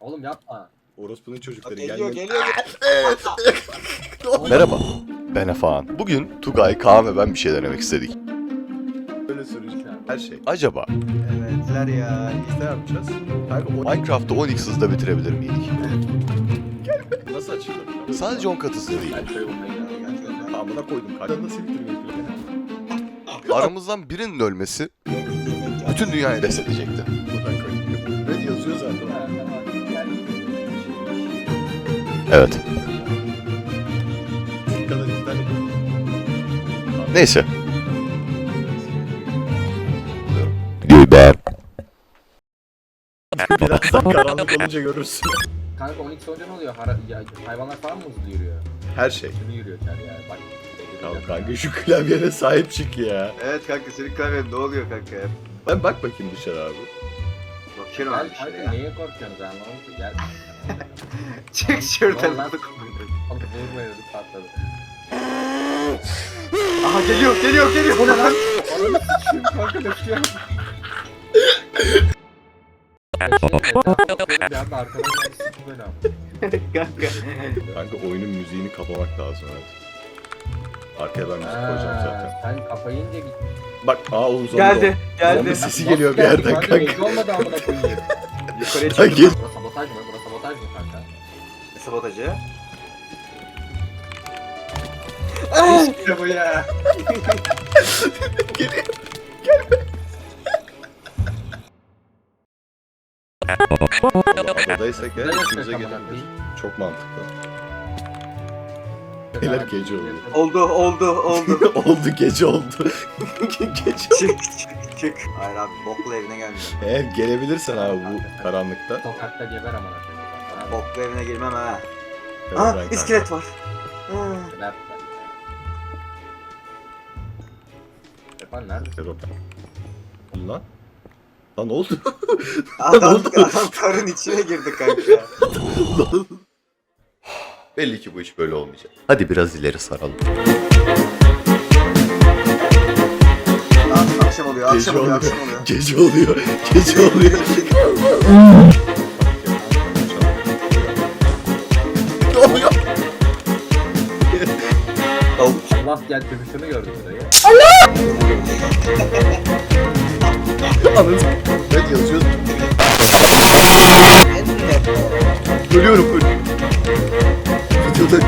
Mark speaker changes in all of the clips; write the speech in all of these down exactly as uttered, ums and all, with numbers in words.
Speaker 1: Oğlum yapma.
Speaker 2: Orospunun çocukları
Speaker 3: Geliyor
Speaker 2: gelmiyor.
Speaker 3: geliyor.
Speaker 4: Merhaba, ben Efehan. Bugün Tugay, Kaan ve ben bir şey denemek istedik.
Speaker 2: Böyle sürücü. Her şey.
Speaker 4: Acaba
Speaker 3: Evetler ya.
Speaker 2: Biz ne yapacağız? Kanka o
Speaker 4: Minecraft'ı on x hızda bitirebilir miydik?
Speaker 2: nasıl açılır?
Speaker 4: Sadece on kat hızlı değil.
Speaker 1: Ben şöyle bulmayı geldim.
Speaker 2: Amına koydum. Kanka nasıl bitirmeyi planı?
Speaker 4: Aramızdan birinin ölmesi bütün dünyayı reset edecekti.
Speaker 2: Buradan koydum. Red yazıyor zaten.
Speaker 4: Evet.
Speaker 2: Bu kadar izlenip.
Speaker 4: Neyse. Göber.
Speaker 2: Birazdan karanlık olunca görürsün.
Speaker 1: Kanka on iki olunca ne oluyor? Hara, ya, hayvanlar falan mı hızlı yürüyor?
Speaker 2: Her şey.
Speaker 1: Hızlı yürüyor içeri yani. Bak.
Speaker 2: Ya kanka şu klavyene sahip çık ya.
Speaker 3: Evet kanka senin klavyen ne oluyor kanka ya?
Speaker 2: Ben bak bakayım dışarı abi.
Speaker 3: Bakıyorum
Speaker 1: Gel
Speaker 3: abi
Speaker 1: kanka
Speaker 3: şuraya.
Speaker 1: neye korkuyorsunuz ben anlamadım ki. Gel.
Speaker 3: Çık şuradan.
Speaker 1: Vallahi- Oğlum vurmayın ödüm patladı.
Speaker 3: Aha geliyor geliyor geliyor.
Speaker 1: Bu ne lan? Ananı s**eyim kanka döküyor. Bir anda arkadan geldi s**tim beni abi.
Speaker 3: Kanka.
Speaker 2: Kanka oyunun müziğini kapamak lazım evet. Arkaya ben müzik koyacağım zaten.
Speaker 1: Sen kapayınca git.
Speaker 2: Bak aa Oğuz
Speaker 3: Geldi
Speaker 2: Zombi
Speaker 3: geldi.
Speaker 2: sesi geliyor bir yerden
Speaker 1: Kanka
Speaker 2: kanka.
Speaker 1: gece olmadı amına koyayım.
Speaker 3: Yukarıya
Speaker 2: Kanka,
Speaker 3: çıktım.
Speaker 1: Burası sabotaj mı? Burası sabotaj mı kanka?
Speaker 3: Sabotajı.
Speaker 1: İşte bu ya.
Speaker 2: Adadaysak ya
Speaker 1: Ne
Speaker 2: işimize
Speaker 1: yapacak
Speaker 2: gelir.
Speaker 1: amına koyayım?
Speaker 2: Çok mantıklı. Beyler gece oldu.
Speaker 3: Oldu oldu oldu.
Speaker 2: oldu gece oldu. gece
Speaker 3: Çık çık çık. Hayır abi boklu evine gelmeyeceğim.
Speaker 2: Eğer gelebilirsen abi bu karanlıkta.
Speaker 1: Sokakta geber amına koyayım. Bana
Speaker 3: Boklu evine girmem ha.
Speaker 2: Evet,
Speaker 3: Aha
Speaker 2: ben kanka.
Speaker 3: iskelet var. Ha.
Speaker 1: geber. Efendim neredesin?
Speaker 2: Evet, o- Lan. Lan ne oldu?
Speaker 3: Adam, adam karın içine girdi kanka.
Speaker 4: Belli ki bu iş böyle olmayacak. Hadi biraz ileri saralım.
Speaker 3: Aa, akşam oluyor
Speaker 2: Gece
Speaker 3: akşam oluyor
Speaker 2: oluyor.
Speaker 3: akşam oluyor.
Speaker 2: Gece oluyor. Gece oluyor. Ne oluyor?
Speaker 3: Tavuk.
Speaker 1: Allah gel dövüşünü gördüm burayı.
Speaker 2: Anladın. Ben yazıyorum. Ölüyorum ölüyorum. Videoda.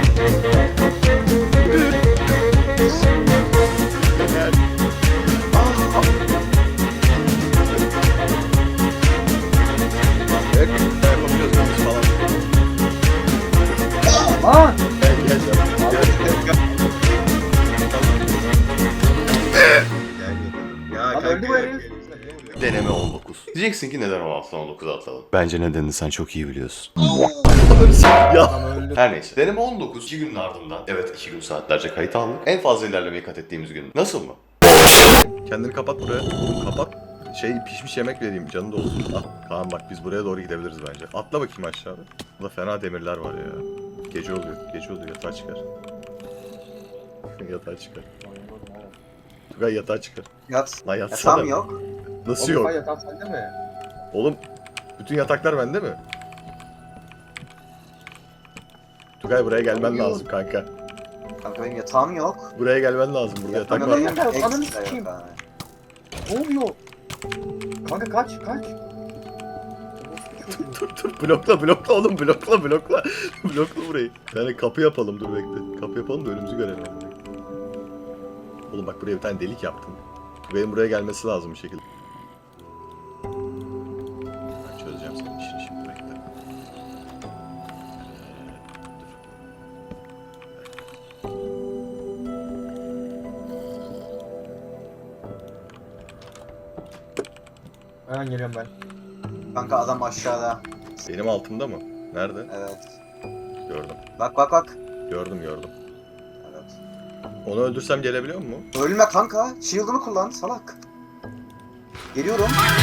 Speaker 2: Evet, yapabiliyoruz biz falan.
Speaker 1: Aa!
Speaker 2: Gel gel gel. Gel.
Speaker 3: Ya
Speaker 1: Lan öldü bu herif.
Speaker 4: Deneme on dokuz. Diyeceksin ki neden on altıdan on dokuza atlalım? Bence nedenini sen çok iyi biliyorsun.
Speaker 2: Ya.
Speaker 1: Adam öldü.
Speaker 4: Her neyse. Deneme on dokuz. iki günün ardından. Evet iki gün saatlerce kayıt aldık. En fazla ilerlemeyi kat ettiğimiz gün. Nasıl mı?
Speaker 2: Kendini kapat buraya. Oğlum kapat. Şey pişmiş yemek vereyim canı da olsun. Ah Kaan bak biz buraya doğru gidebiliriz bence. Atla bakayım aşağıda. Burada fena demirler var ya. Gece oluyor. Gece oluyor. Yatağa çıkar. Yatağa çıkar. Tugay yatağa çıkar.
Speaker 3: Yat.
Speaker 2: Lan yatsana.
Speaker 3: Yatağım yok.
Speaker 2: Nasıl
Speaker 1: Oğlum
Speaker 2: yok?
Speaker 1: ben yatağı sende mi?
Speaker 2: Oğlum bütün yataklar bende mi? Tugay buraya gelmen
Speaker 1: Yok.
Speaker 2: lazım kanka.
Speaker 3: Kanka benim yatağım yok.
Speaker 2: Buraya gelmen lazım. Burada yatak
Speaker 3: Kanka
Speaker 2: var.
Speaker 3: benim
Speaker 1: Kanka, ananı
Speaker 3: ekstra
Speaker 1: sikeyim.
Speaker 3: yok abi.
Speaker 1: Ne oluyor? Kanka kaç kaç.
Speaker 2: Dur dur blokla blokla oğlum blokla blokla. blokla burayı. Yani kapı yapalım dur bekle. Kapı yapalım da önümüzü görelim. Oğlum bak buraya bir tane delik yaptım. Tugay'ın buraya gelmesi lazım bir şekilde. Ben çözeceğim senin işini şimdi bekle.
Speaker 1: Hemen geliyorum ben.
Speaker 3: Kanka adam aşağıda.
Speaker 2: Benim altımda mı? Nerede?
Speaker 3: Evet.
Speaker 2: Gördüm.
Speaker 3: Bak bak bak.
Speaker 2: Gördüm gördüm.
Speaker 3: Evet.
Speaker 2: Onu öldürsem gelebiliyor mu?
Speaker 3: Ölme kanka. Shield'ını kullan salak. Geliyorum.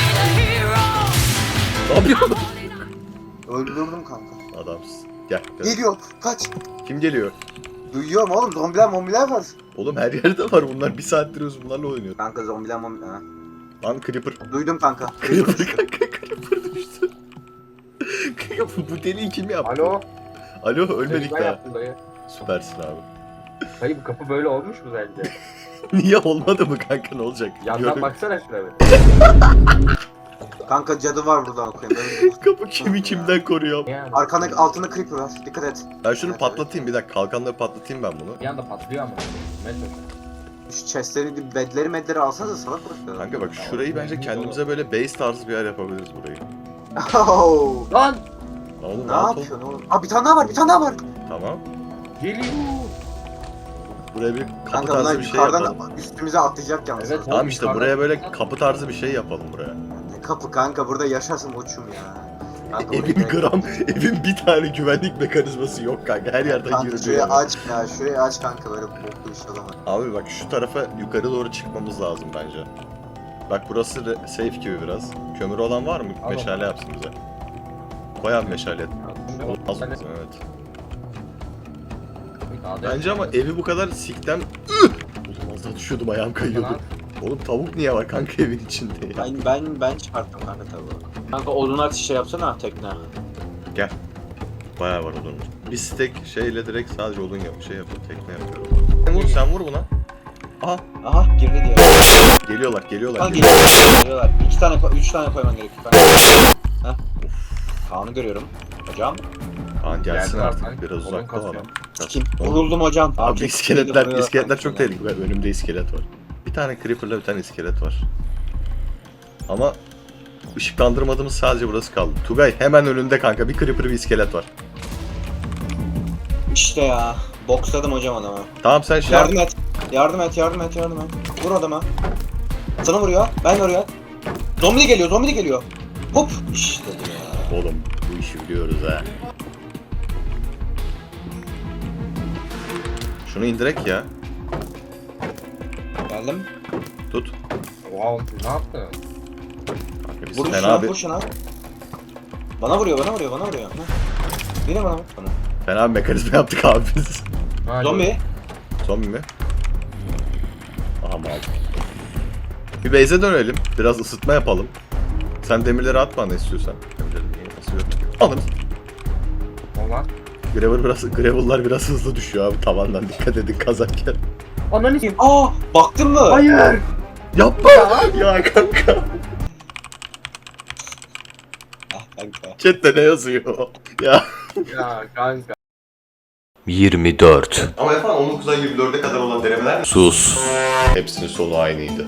Speaker 2: Ne yapıyorsun?
Speaker 3: Öldürdüm kanka.
Speaker 2: Adamsın. Gel. gel.
Speaker 3: Geliyor. Kaç.
Speaker 2: Kim geliyor?
Speaker 3: Duyuyorum oğlum. Zombiler mombiler var.
Speaker 2: Oğlum her yerde var bunlar. Bir saattir biz bunlarla oynuyor.
Speaker 3: Kanka zombiler mombiler. Ha.
Speaker 2: Lan Creeper.
Speaker 3: Duydum kanka.
Speaker 2: Creeper kanka Creeper düştü. Bu deliği kim yaptı?
Speaker 1: Alo.
Speaker 2: Alo ölmedik
Speaker 1: Ben
Speaker 2: daha.
Speaker 1: yaptım dayı.
Speaker 2: Süpersin abi.
Speaker 1: Dayı bu kapı böyle olmuş mu sence?
Speaker 2: Niye olmadı mı kanka, ne olacak?
Speaker 1: Yandan
Speaker 2: Görün-
Speaker 1: baksana şuna bir.
Speaker 3: Kanka cadı var burada okuyayım. Böyle-
Speaker 2: Kapı kimi kimden koruyor?
Speaker 1: Yani.
Speaker 3: Arkanda altında creeper var. Dikkat et.
Speaker 2: Ben şunu patlatayım bir dakika, kalkanları patlatayım ben bunu.
Speaker 1: Bir anda patlıyor ama. Metro.
Speaker 3: Şu chestleri, bedleri medleri alsanıza salak bırak.
Speaker 2: Kanka bak şurayı bence kendimize böyle base tarzı bir yer yapabiliriz burayı.
Speaker 3: Oh.
Speaker 1: Lan!
Speaker 2: Oğlum
Speaker 3: Ne
Speaker 2: rahat ol.
Speaker 3: yapıyorsun oğlum? Aa bir tane daha var, bir tane daha var.
Speaker 2: Tamam.
Speaker 1: Geliyor.
Speaker 2: Buraya bir kapı
Speaker 3: Kanka bunlar
Speaker 2: tarzı bir şey
Speaker 3: yukarıdan
Speaker 2: yapalım.
Speaker 3: üstümüze atlayacak yalnız.
Speaker 1: Evet.
Speaker 2: Tamam işte
Speaker 1: Yukarıdan-
Speaker 2: buraya böyle kapı tarzı bir şey yapalım buraya.
Speaker 3: Ne kapı kanka, burada yaşasın uçum ya. Kanka, oraya
Speaker 2: Evin
Speaker 3: gerek yok.
Speaker 2: gram, evin bir tane güvenlik mekanizması yok kanka. Her yerden
Speaker 3: Kanka
Speaker 2: giriliyor.
Speaker 3: şurayı aç ya, şurayı aç kanka, böyle boklu bir şey olamaz.
Speaker 2: Abi bak şu tarafa yukarı doğru çıkmamız lazım bence. Bak burası re- safe gibi biraz. Kömür olan var mı?
Speaker 1: Al
Speaker 2: Meşale yapsın bize. Koy abi meşale. Az
Speaker 1: Ben de-
Speaker 2: evet.
Speaker 1: Dağda
Speaker 2: Bence ama
Speaker 1: yapacağız.
Speaker 2: evi bu kadar siktem... Oğlum az daha düşüyordum, ayağım kayıyordu.
Speaker 1: Lan.
Speaker 2: Oğlum tavuk niye var kanka evin içinde ya?
Speaker 3: Ben ben ben çıkarttım kanka tabii.
Speaker 5: Kanka odun ateşi şey yapsana tekne.
Speaker 2: Bayağı var odun. Bir stek şeyle direkt sadece odun yap, şey yapıp tekne yapıyorum. Sen vur, sen vur buna. Aha
Speaker 5: Aha girdi diye.
Speaker 2: geliyorlar, geliyorlar.
Speaker 5: Kanka
Speaker 2: geliyorlar.
Speaker 5: geliyorlar. geliyorlar. İki tane, ko- üç tane koyman gerekiyor kanka. Heh. Kaan'ı görüyorum. Hocam.
Speaker 2: Kaan gelsin
Speaker 1: Geldi
Speaker 2: artık,
Speaker 1: artık.
Speaker 2: biraz
Speaker 1: Odun
Speaker 2: uzakta o adam.
Speaker 1: kasıyorum.
Speaker 5: Kim?
Speaker 2: Oğlum,
Speaker 5: Vuruldum hocam.
Speaker 2: Abi
Speaker 5: çok
Speaker 2: iskeletler,
Speaker 5: vuruyorlar
Speaker 2: iskeletler
Speaker 5: kanka.
Speaker 2: çok tehlikeli. Önümde iskelet var. Bir tane creeper'la bir tane iskelet var. Ama ışıklandırmadığımız sadece burası kaldı. Tugay hemen önünde kanka bir creeper bir iskelet var.
Speaker 5: İşte ya. Boksladım hocam adamı.
Speaker 2: Tamam sen şey yap.
Speaker 5: Yardım et. Yardım et, yardım et, yardım et. Vur adama. Sana vuruyor. Ben vuruyor. Zombi de geliyor, zombi de geliyor. Hop. İşte ya.
Speaker 2: Oğlum bu işi biliyoruz ha. Şunu indirek ya.
Speaker 5: Geldim.
Speaker 2: Tut.
Speaker 1: Wow, siz ne yaptın?
Speaker 2: Kanka biz
Speaker 5: Vur
Speaker 2: fena
Speaker 5: şuna,
Speaker 2: bir,
Speaker 5: vur şuna. Bana vuruyor, bana vuruyor, bana vuruyor. Heh. Yine bana vur. Bana.
Speaker 2: fena bir mekanizma yaptık abi biz.
Speaker 1: Ha,
Speaker 5: Zombi.
Speaker 2: Zombi mi? Aha mal. Bir base'e dönelim. Biraz ısıtma yapalım. Sen demirleri at bana istiyorsan. Demirleri niye basıyorum? Alın.
Speaker 1: Olan.
Speaker 2: Gravel biraz, gravel'lar biraz hızlı düşüyor abi tavandan, dikkat edin kazarken.
Speaker 1: Ananı s***.
Speaker 5: Aa, baktın mı?
Speaker 1: Hayır.
Speaker 2: Yapma! Ya kanka.
Speaker 5: Ah kanka.
Speaker 2: Chat'te ne yazıyor? Ya.
Speaker 1: Ya kanka.
Speaker 4: yirmi dört. Ama efendim on dokuzdan yirmi dörde kadar olan denemeler... Sus.
Speaker 2: Hepsinin sonu aynıydı.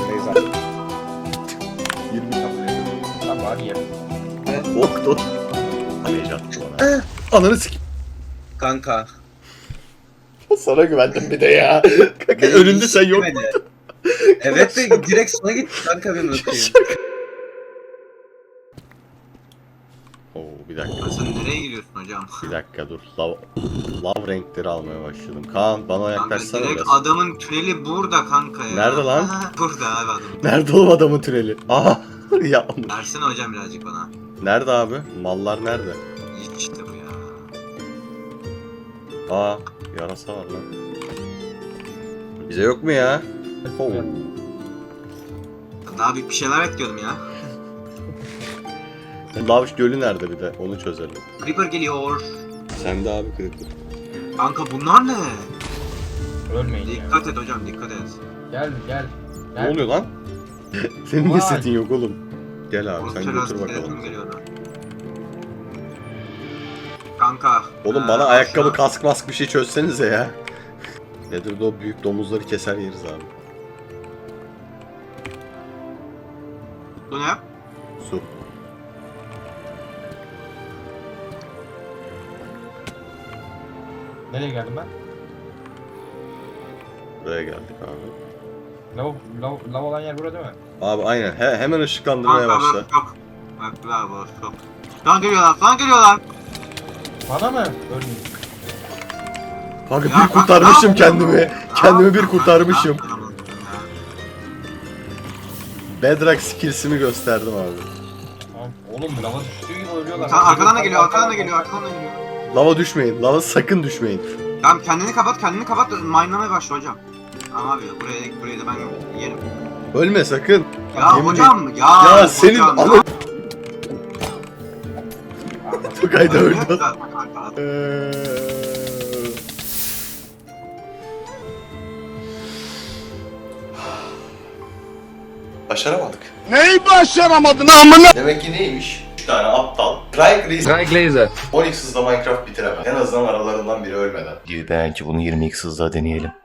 Speaker 1: yirmi Tamam hadi yerim.
Speaker 2: Ok tut. Heyecan bana. Ananı sik.
Speaker 5: Kanka.
Speaker 2: Sana güvendim bir de ya. Kanka önünde sen yok.
Speaker 5: Evet de direkt sana git kanka benim öpeyim.
Speaker 2: Oo bir dakika.
Speaker 5: Sen nereye gidiyorsun hocam?
Speaker 2: Bir dakika dur. Lav, lav renkleri almaya başladım. Kaan bana
Speaker 5: Kanka
Speaker 2: yaklaşsana
Speaker 5: direkt
Speaker 2: biraz.
Speaker 5: adamın tüneli burada kanka ya.
Speaker 2: Nerede lan?
Speaker 5: Burada abi adam.
Speaker 2: Nerede oğlum adamın tüneli? Aha. Ya
Speaker 5: Versene hocam birazcık bana.
Speaker 2: nerede abi? Mallar nerede?
Speaker 5: İşte bu ya.
Speaker 2: Aa yarasa var lan. Bize yok mu ya? Oo.
Speaker 5: Daha büyük bir şeyler bekliyordum ya.
Speaker 2: Lav gölü nerede bir de? Onu çözelim.
Speaker 5: Creeper geliyor.
Speaker 2: Sen de abi Creeper.
Speaker 5: Kanka bunlar ne?
Speaker 1: Ölmeyin ya.
Speaker 5: Dikkat et hocam dikkat et.
Speaker 1: Gel gel.
Speaker 2: Ne
Speaker 1: Gel.
Speaker 2: oluyor lan? Senin ne
Speaker 1: Vay.
Speaker 2: setin yok oğlum? Gel abi
Speaker 5: Orta
Speaker 2: sen götür
Speaker 5: lastik
Speaker 2: bakalım.
Speaker 5: telefonum geliyordu. Kanka.
Speaker 2: Oğlum
Speaker 5: ee,
Speaker 2: bana
Speaker 5: al
Speaker 2: ayakkabı,
Speaker 5: şunu.
Speaker 2: kask mask bir şey çözsenize ya. Nedir de o büyük domuzları keser yeriz abi.
Speaker 5: Bu ne?
Speaker 2: Su.
Speaker 1: Nereye geldim ben?
Speaker 2: Buraya geldik abi.
Speaker 1: Lav, lav, lav olan yer burada değil mi?
Speaker 2: Abi aynen he, hemen ışıklandırmaya
Speaker 5: Kanka
Speaker 2: başla.
Speaker 5: bak yok. Bak la boş yok. Lan geliyorlar lan geliyorlar.
Speaker 1: Bana mı? Ölmeyin.
Speaker 2: Kanka
Speaker 5: Ya
Speaker 2: bir
Speaker 5: kanka,
Speaker 2: kurtarmışım
Speaker 5: ne
Speaker 2: kendimi.
Speaker 5: yapıyorsun?
Speaker 2: Kendimi
Speaker 5: Ne
Speaker 2: bir
Speaker 5: yapıyorsun?
Speaker 2: kurtarmışım.
Speaker 5: Ne yapıyorsun ya?
Speaker 2: Bedrock skills'imi gösterdim abi.
Speaker 1: Tamam. Oğlum lava düştüğü gibi ölüyorlar.
Speaker 5: Sen arkadan da geliyor arkadan da geliyor arkadan da geliyor.
Speaker 2: Lava düşmeyin. Lava sakın düşmeyin.
Speaker 5: Tamam kendini kapat kendini kapat mine'lamaya başla hocam. Tamam abi buraya buraya da ben yerim.
Speaker 2: Ölme sakın.
Speaker 5: Ya
Speaker 2: Yemin
Speaker 5: hocam ya.
Speaker 2: Ya senin
Speaker 5: hocam,
Speaker 2: anı- Tugay da öldü.
Speaker 3: Kanka.
Speaker 2: Eee...
Speaker 4: Başaramadık.
Speaker 6: Neyi başaramadın amına?
Speaker 4: Demek ki neymiş? üç tane aptal. Craig
Speaker 6: Glazer.
Speaker 4: on x hızla Minecraft bitiremez. En azından aralarından biri ölmeden. Belki bunu yirmi x hızla deneyelim.